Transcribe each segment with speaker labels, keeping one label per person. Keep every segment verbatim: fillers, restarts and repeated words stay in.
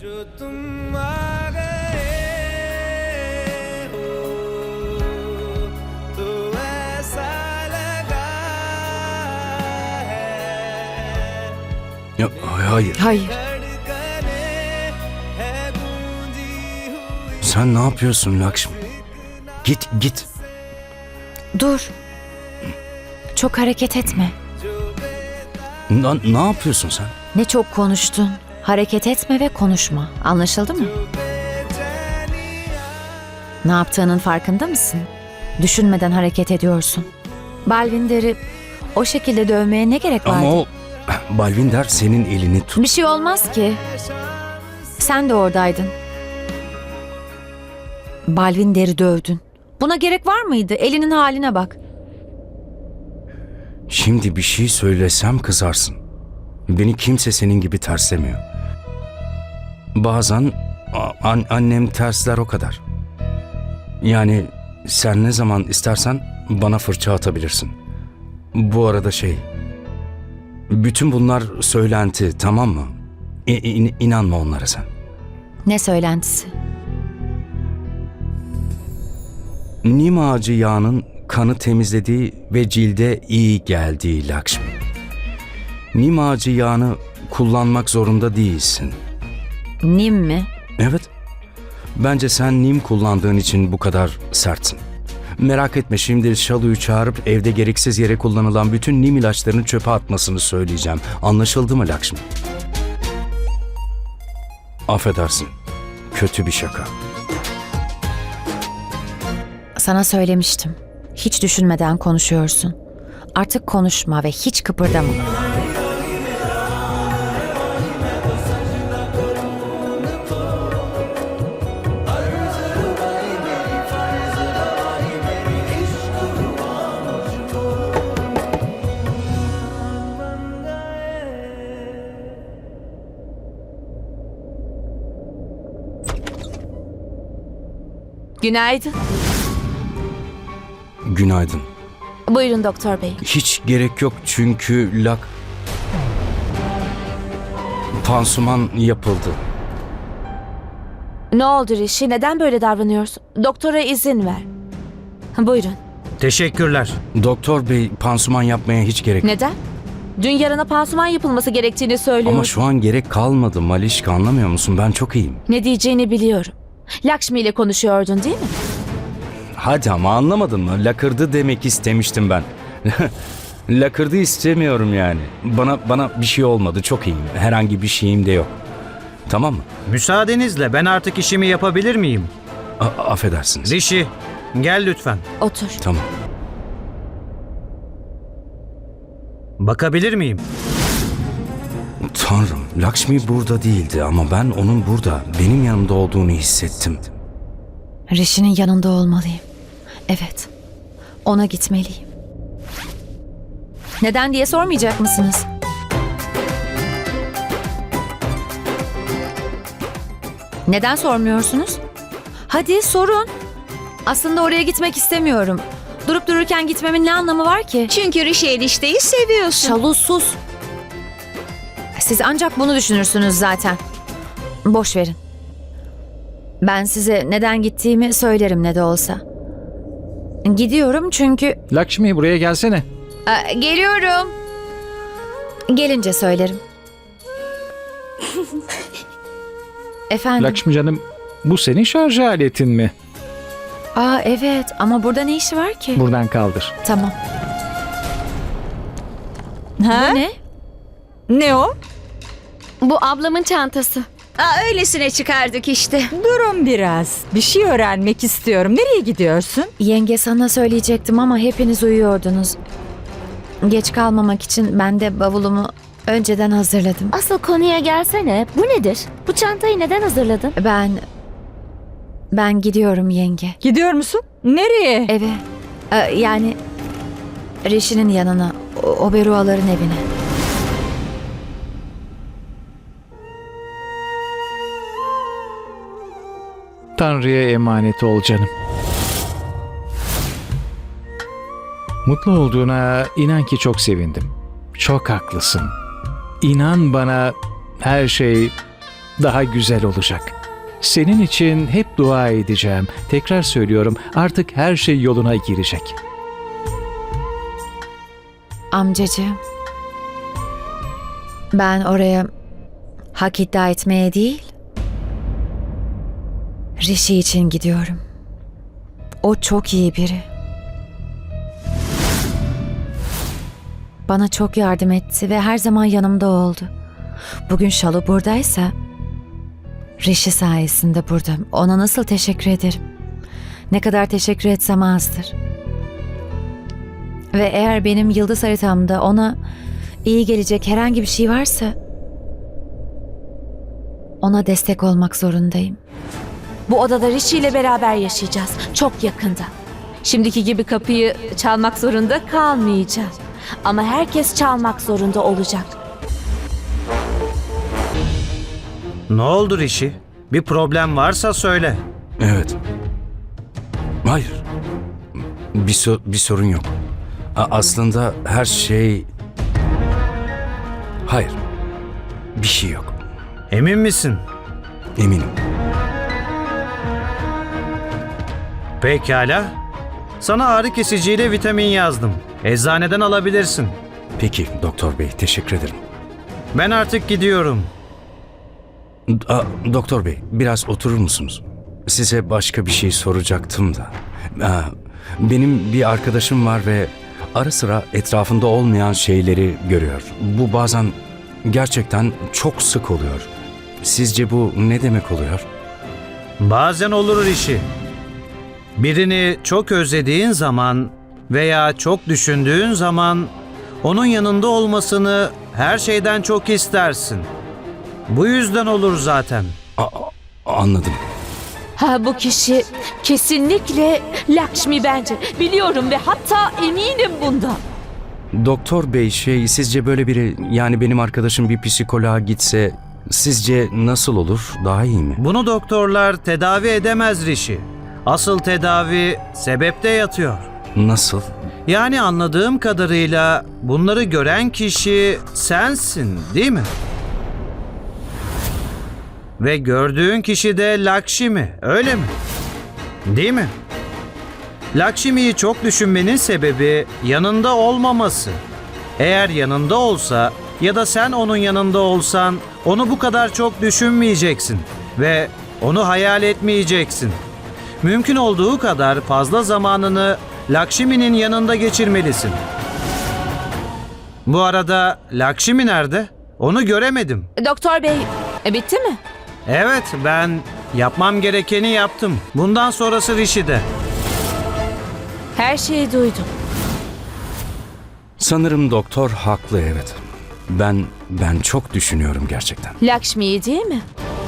Speaker 1: जो तुम आ गए हो तो ऐसा लगा है
Speaker 2: Ya, hayır.
Speaker 3: Hayır.
Speaker 1: धड़कने है गूंजी हुई
Speaker 2: Sen ne yapıyorsun Lakshmi? Git git.
Speaker 3: Dur. Çok hareket etme.
Speaker 2: Na- ne yapıyorsun sen?
Speaker 3: Ne çok konuştun. Hareket etme ve konuşma. Anlaşıldı mı? Ne yaptığının farkında mısın? Düşünmeden hareket ediyorsun. Balvinder'i o şekilde dövmeye ne gerek vardı?
Speaker 2: Ama o Balvinder senin elini tut.
Speaker 3: Bir şey olmaz ki. Sen de oradaydın. Balvinder'i dövdün. Buna gerek var mıydı? Elinin haline bak.
Speaker 2: Şimdi bir şey söylesem kızarsın. Beni kimse senin gibi terslemiyor. Bazen a- an- annem tersler o kadar. Yani sen ne zaman istersen bana fırça atabilirsin. Bu arada şey... Bütün bunlar söylenti, tamam mı? İ- in- inanma onlara sen.
Speaker 3: Ne söylentisi?
Speaker 2: Nim ağacı yağının kanı temizlediği ve cilde iyi geldiği Lakshmi. Nim ağacı yağını kullanmak zorunda değilsin.
Speaker 3: Nim mi?
Speaker 2: Evet. Bence sen nim kullandığın için bu kadar sertsin. Merak etme, şimdi Şalu'yu çağırıp evde gereksiz yere kullanılan bütün nim ilaçlarını çöpe atmasını söyleyeceğim. Anlaşıldı mı Lakshmi? Affedersin. Kötü bir şaka.
Speaker 3: Sana söylemiştim. Hiç düşünmeden konuşuyorsun. Artık konuşma ve hiç kıpırdama. Günaydın.
Speaker 2: Günaydın.
Speaker 3: Buyurun doktor bey.
Speaker 2: Hiç gerek yok çünkü lak... Pansuman yapıldı.
Speaker 3: Ne oldu Rishi? Neden böyle davranıyorsun? Doktora izin ver. Buyurun.
Speaker 4: Teşekkürler.
Speaker 2: Doktor bey, pansuman yapmaya hiç gerek yok.
Speaker 3: Neden? Dün yarına pansuman yapılması gerektiğini söylüyor.
Speaker 2: Ama şu an gerek kalmadı Malişka, anlamıyor musun? Ben çok iyiyim.
Speaker 3: Ne diyeceğini biliyorum. Lakshmi ile konuşuyordun değil mi?
Speaker 2: Hadi ama anlamadın mı? Lakırdı demek istemiştim ben. Lakırdı istemiyorum yani. Bana bana bir şey olmadı. Çok iyiyim. Herhangi bir şeyim de yok. Tamam mı?
Speaker 4: Müsaadenizle ben artık işimi yapabilir miyim?
Speaker 2: A- affedersiniz.
Speaker 4: Rişi, gel lütfen.
Speaker 3: Otur.
Speaker 2: Tamam.
Speaker 4: Bakabilir miyim?
Speaker 2: Tanrım, Lakshmi burada değildi ama ben onun burada, benim yanımda olduğunu hissettim.
Speaker 3: Rishi'nin yanında olmalıyım. Evet. Ona gitmeliyim. Neden diye sormayacak mısınız? Neden sormuyorsunuz? Hadi sorun. Aslında oraya gitmek istemiyorum. Durup dururken gitmemin ne anlamı var ki?
Speaker 5: Çünkü Rishi enişteyi seviyorsun.
Speaker 3: Şalu sus. Siz ancak bunu düşünürsünüz zaten. Boş verin. Ben size neden gittiğimi söylerim ne de olsa. Gidiyorum çünkü...
Speaker 6: Lakshmi buraya gelsene.
Speaker 3: Aa, geliyorum. Gelince söylerim. Efendim?
Speaker 6: Lakshmi canım, bu senin şarj aletin mi?
Speaker 3: Aa evet ama burada ne işi var ki?
Speaker 6: Buradan kaldır.
Speaker 3: Tamam.
Speaker 5: Ha?
Speaker 3: Bu ne?
Speaker 5: Ne o?
Speaker 7: Bu ablamın çantası.
Speaker 5: Aa, öylesine çıkardık işte.
Speaker 8: Durun biraz. Bir şey öğrenmek istiyorum. Nereye gidiyorsun?
Speaker 3: Yenge sana söyleyecektim ama hepiniz uyuyordunuz. Geç kalmamak için ben de bavulumu önceden hazırladım.
Speaker 7: Asıl konuya gelsene. Bu nedir? Bu çantayı neden hazırladın?
Speaker 3: Ben... Ben gidiyorum yenge.
Speaker 8: Gidiyor musun? Nereye?
Speaker 3: Eve. Ee, yani... Rishi'nin yanına. O, Oberuaların evine.
Speaker 6: Tanrı'ya emanet ol canım. Mutlu olduğuna inan ki çok sevindim. Çok haklısın. İnan bana, her şey daha güzel olacak. Senin için hep dua edeceğim. Tekrar söylüyorum, artık her şey yoluna girecek.
Speaker 3: Amcacığım. Ben oraya hak iddia etmeye değil, Rishi için gidiyorum. O çok iyi biri. Bana çok yardım etti ve her zaman yanımda oldu. Bugün Shalu buradaysa Rishi sayesinde burada. Ona nasıl teşekkür ederim? Ne kadar teşekkür etsem azdır. Ve eğer benim yıldız haritamda ona iyi gelecek herhangi bir şey varsa ona destek olmak zorundayım.
Speaker 7: Bu odada Rishi ile beraber yaşayacağız. Çok yakında. Şimdiki gibi kapıyı çalmak zorunda kalmayacağız. Ama herkes çalmak zorunda olacak.
Speaker 4: Ne oldu Rishi? Bir problem varsa söyle.
Speaker 2: Evet. Hayır. Bir, so- bir sorun yok. A- aslında her şey... Hayır. Bir şey yok.
Speaker 4: Emin misin?
Speaker 2: Eminim.
Speaker 4: Pekala. Sana ağrı kesiciyle vitamin yazdım. Eczaneden alabilirsin.
Speaker 2: Peki doktor bey, teşekkür ederim.
Speaker 4: Ben artık gidiyorum.
Speaker 2: A, doktor bey, biraz oturur musunuz? Size başka bir şey soracaktım da. A, benim bir arkadaşım var ve ara sıra etrafında olmayan şeyleri görüyor. Bu bazen gerçekten çok sık oluyor. Sizce bu ne demek oluyor?
Speaker 4: Bazen olur Rishi. Birini çok özlediğin zaman veya çok düşündüğün zaman onun yanında olmasını her şeyden çok istersin. Bu yüzden olur zaten.
Speaker 2: A, anladım.
Speaker 7: Ha, bu kişi kesinlikle Lakshmi bence. Biliyorum ve hatta eminim bundan.
Speaker 2: Doktor bey, şey, sizce böyle biri, yani benim arkadaşım bir psikoloğa gitse sizce nasıl olur? Daha iyi mi?
Speaker 4: Bunu doktorlar tedavi edemez Rishi. Asıl tedavi sebepte yatıyor.
Speaker 2: Nasıl?
Speaker 4: Yani anladığım kadarıyla bunları gören kişi sensin, değil mi? Ve gördüğün kişi de Lakshmi, öyle mi? Değil mi? Lakshmi'yi çok düşünmenin sebebi yanında olmaması. Eğer yanında olsa ya da sen onun yanında olsan onu bu kadar çok düşünmeyeceksin ve onu hayal etmeyeceksin. Mümkün olduğu kadar fazla zamanını Lakshmi'nin yanında geçirmelisin. Bu arada Lakshmi nerede? Onu göremedim.
Speaker 7: Doktor bey, e, bitti mi?
Speaker 4: Evet, ben yapmam gerekeni yaptım. Bundan sonrası Rishi'de.
Speaker 7: Her şeyi duydum.
Speaker 2: Sanırım doktor haklı, evet. Ben ben çok düşünüyorum gerçekten.
Speaker 7: Lakshmi'yi değil mi?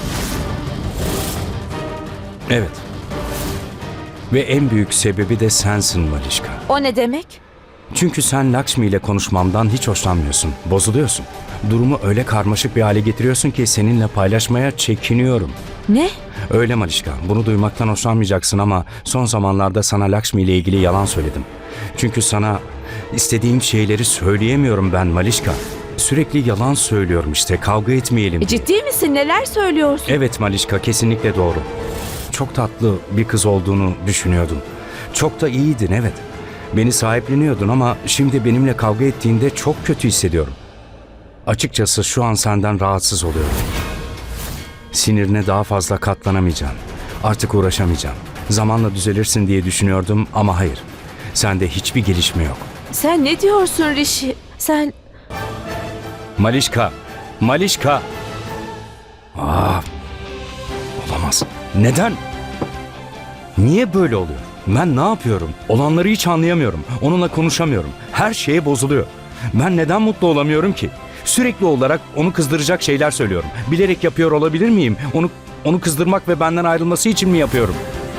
Speaker 2: Evet. Ve en büyük sebebi de sensin Malişka.
Speaker 7: O ne demek?
Speaker 2: Çünkü sen Lakshmi ile konuşmamdan hiç hoşlanmıyorsun. Bozuluyorsun. Durumu öyle karmaşık bir hale getiriyorsun ki seninle paylaşmaya çekiniyorum.
Speaker 7: Ne?
Speaker 2: Öyle Malişka. Bunu duymaktan hoşlanmayacaksın ama son zamanlarda sana Lakshmi ile ilgili yalan söyledim. Çünkü sana istediğim şeyleri söyleyemiyorum ben Malişka. Sürekli yalan söylüyorum işte, kavga etmeyelim
Speaker 7: E,
Speaker 2: diye.
Speaker 7: ciddi misin? Neler söylüyorsun?
Speaker 2: Evet Malişka, kesinlikle doğru. Çok tatlı bir kız olduğunu düşünüyordum. Çok da iyiydin, evet. Beni sahipleniyordun ama şimdi benimle kavga ettiğinde çok kötü hissediyorum. Açıkçası şu an senden rahatsız oluyorum. Sinirine daha fazla katlanamayacağım. Artık uğraşamayacağım. Zamanla düzelirsin diye düşünüyordum ama hayır. Sende hiçbir gelişme yok.
Speaker 7: Sen ne diyorsun Rishi? Sen...
Speaker 2: Malişka! Malişka! Aa, olamaz. Neden? Niye böyle oluyor? Ben ne yapıyorum? Olanları hiç anlayamıyorum. Onunla konuşamıyorum. Her şeye bozuluyor. Ben neden mutlu olamıyorum ki? Sürekli olarak onu kızdıracak şeyler söylüyorum. Bilerek yapıyor olabilir miyim? Onu onu kızdırmak ve benden ayrılması için mi yapıyorum?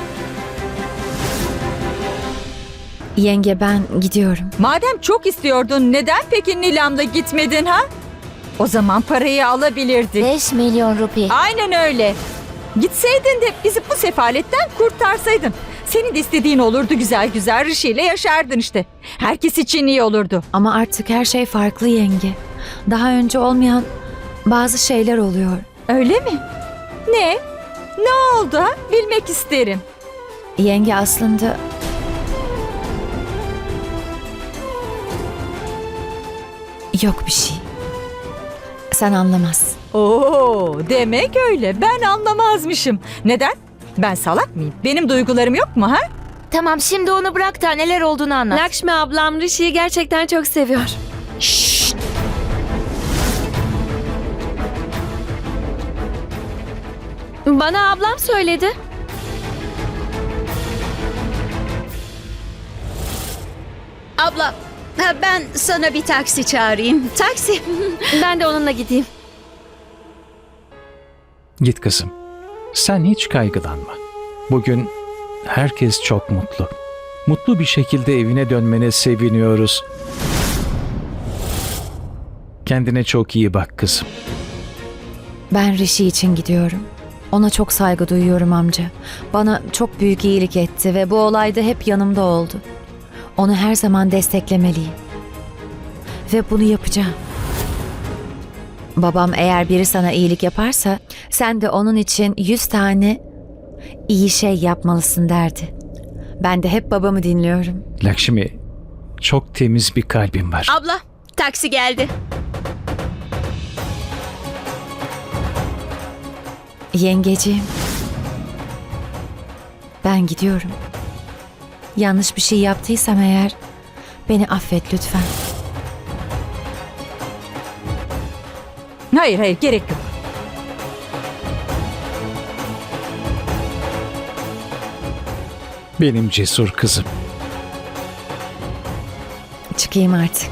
Speaker 3: Yenge, ben gidiyorum.
Speaker 8: Madem çok istiyordun neden peki Nilam'la gitmedin ha? O zaman parayı alabilirdik.
Speaker 7: beş milyon rupi.
Speaker 8: Aynen öyle. Gitseydin de bizi bu sefaletten kurtarsaydın. Senin de istediğin olurdu, güzel güzel Rishi ile yaşardın işte. Herkes için iyi olurdu.
Speaker 3: Ama artık her şey farklı yenge. Daha önce olmayan bazı şeyler oluyor.
Speaker 8: Öyle mi? Ne? Ne oldu ha? Bilmek isterim.
Speaker 3: Yenge aslında... Yok bir şey. Sen anlamazsın.
Speaker 8: Oo, demek öyle. Ben anlamazmışım. Neden? Ben salak mıyım? Benim duygularım yok mu ha?
Speaker 7: Tamam, şimdi onu bırak da neler olduğunu anlat.
Speaker 9: Lakshmi ablam Rishi'yi gerçekten çok seviyor.
Speaker 5: Şşt!
Speaker 9: Bana ablam söyledi.
Speaker 5: Abla, ha, ben sana bir taksi çağırayım. Taksi.
Speaker 9: Ben de onunla gideyim.
Speaker 6: Git kızım. Sen hiç kaygılanma. Bugün herkes çok mutlu. Mutlu bir şekilde evine dönmene seviniyoruz. Kendine çok iyi bak kızım.
Speaker 3: Ben Rishi için gidiyorum. Ona çok saygı duyuyorum amca. Bana çok büyük iyilik etti ve bu olayda hep yanımda oldu. Onu her zaman desteklemeliyim. Ve bunu yapacağım. Babam eğer biri sana iyilik yaparsa sen de onun için yüz tane iyi şey yapmalısın derdi. Ben de hep babamı dinliyorum.
Speaker 6: Lakshmi, çok temiz bir kalbin var.
Speaker 5: Abla, taksi geldi.
Speaker 3: Yengeciğim. Ben gidiyorum. Yanlış bir şey yaptıysam eğer beni affet lütfen.
Speaker 8: Hayır hayır, gerek yok.
Speaker 6: Benim cesur kızım.
Speaker 3: Çıkayım artık.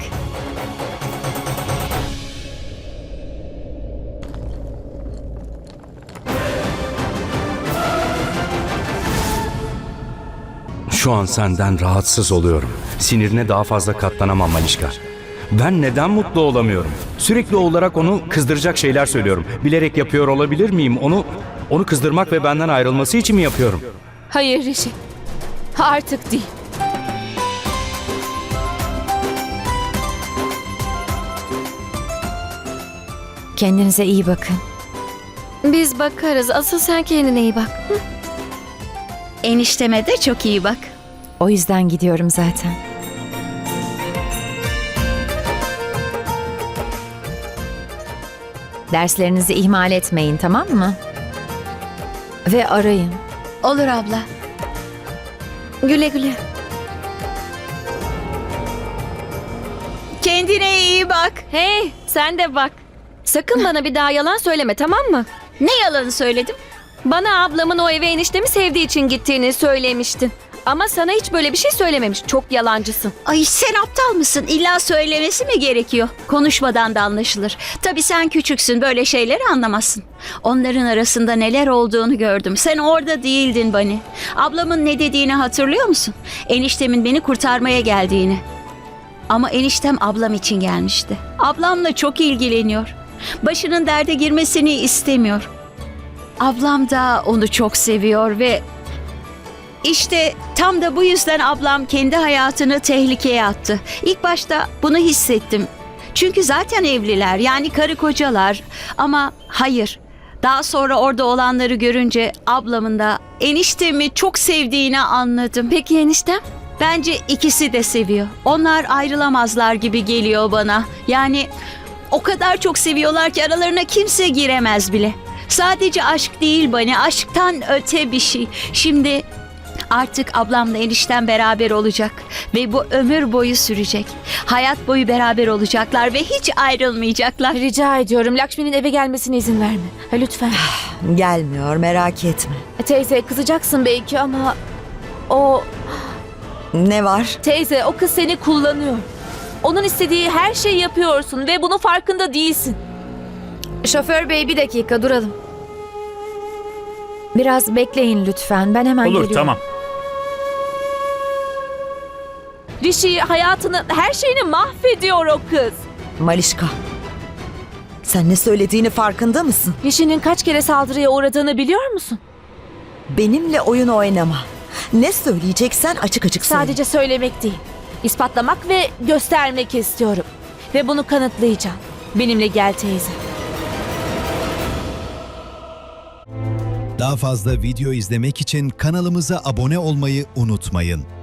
Speaker 2: Şu an senden rahatsız oluyorum. Sinirine daha fazla katlanamam Malişka. Ben neden mutlu olamıyorum? Sürekli olarak onu kızdıracak şeyler söylüyorum. Bilerek yapıyor olabilir miyim? Onu onu kızdırmak ve benden ayrılması için mi yapıyorum?
Speaker 7: Hayır Rishi. Artık değil.
Speaker 3: Kendinize iyi bakın.
Speaker 9: Biz bakarız. Asıl sen kendine iyi bak. Hı?
Speaker 5: Enişteme de çok iyi bak.
Speaker 3: O yüzden gidiyorum zaten. Derslerinizi ihmal etmeyin, tamam mı? Ve arayın.
Speaker 5: Olur abla.
Speaker 9: Güle güle.
Speaker 5: Kendine iyi bak.
Speaker 9: Hey, sen de bak. Sakın bana bir daha yalan söyleme, tamam mı?
Speaker 5: Ne yalanı söyledim?
Speaker 9: Bana ablamın o eve eniştemi sevdiği için gittiğini söylemiştin. Ama sana hiç böyle bir şey söylememiş. Çok yalancısın.
Speaker 5: Ay sen aptal mısın? İlla söylemesi mi gerekiyor? Konuşmadan da anlaşılır. Tabii sen küçüksün, böyle şeyleri anlamazsın. Onların arasında neler olduğunu gördüm. Sen orada değildin Bani. Ablamın ne dediğini hatırlıyor musun? Eniştemin beni kurtarmaya geldiğini. Ama eniştem ablam için gelmişti. Ablamla çok ilgileniyor. Başının derde girmesini istemiyor. Ablam da onu çok seviyor ve İşte tam da bu yüzden ablam kendi hayatını tehlikeye attı. İlk başta bunu hissettim. Çünkü zaten evliler, yani karı kocalar. Ama hayır. Daha sonra orada olanları görünce ablamın da eniştemi çok sevdiğini anladım.
Speaker 9: Peki eniştem?
Speaker 5: Bence ikisi de seviyor. Onlar ayrılamazlar gibi geliyor bana. Yani o kadar çok seviyorlar ki aralarına kimse giremez bile. Sadece aşk değil Bani, aşktan öte bir şey. Şimdi artık ablamla eniştem beraber olacak ve bu ömür boyu sürecek. Hayat boyu beraber olacaklar ve hiç ayrılmayacaklar.
Speaker 7: Rica ediyorum, Lakshmi'nin eve gelmesine izin verme. Ha, lütfen.
Speaker 10: Gelmiyor, merak etme.
Speaker 7: Teyze, kızacaksın belki ama o...
Speaker 10: Ne var?
Speaker 7: Teyze, o kız seni kullanıyor. Onun istediği her şeyi yapıyorsun ve bunun farkında değilsin.
Speaker 3: Şoför bey, bir dakika duralım. Biraz bekleyin lütfen. Ben hemen
Speaker 11: Olur,
Speaker 3: geliyorum.
Speaker 11: tamam.
Speaker 7: Rishi hayatını, her şeyini mahvediyor o kız.
Speaker 10: Malişka. Sen ne söylediğini farkında mısın?
Speaker 7: Rishi'nin kaç kere saldırıya uğradığını biliyor musun?
Speaker 10: Benimle oyun oynama. Ne söyleyeceksen açık açık söyle.
Speaker 7: Sadece söylemek değil, ispatlamak ve göstermek istiyorum. Ve bunu kanıtlayacağım. Benimle gel teyze.
Speaker 11: Daha fazla video izlemek için kanalımıza abone olmayı unutmayın.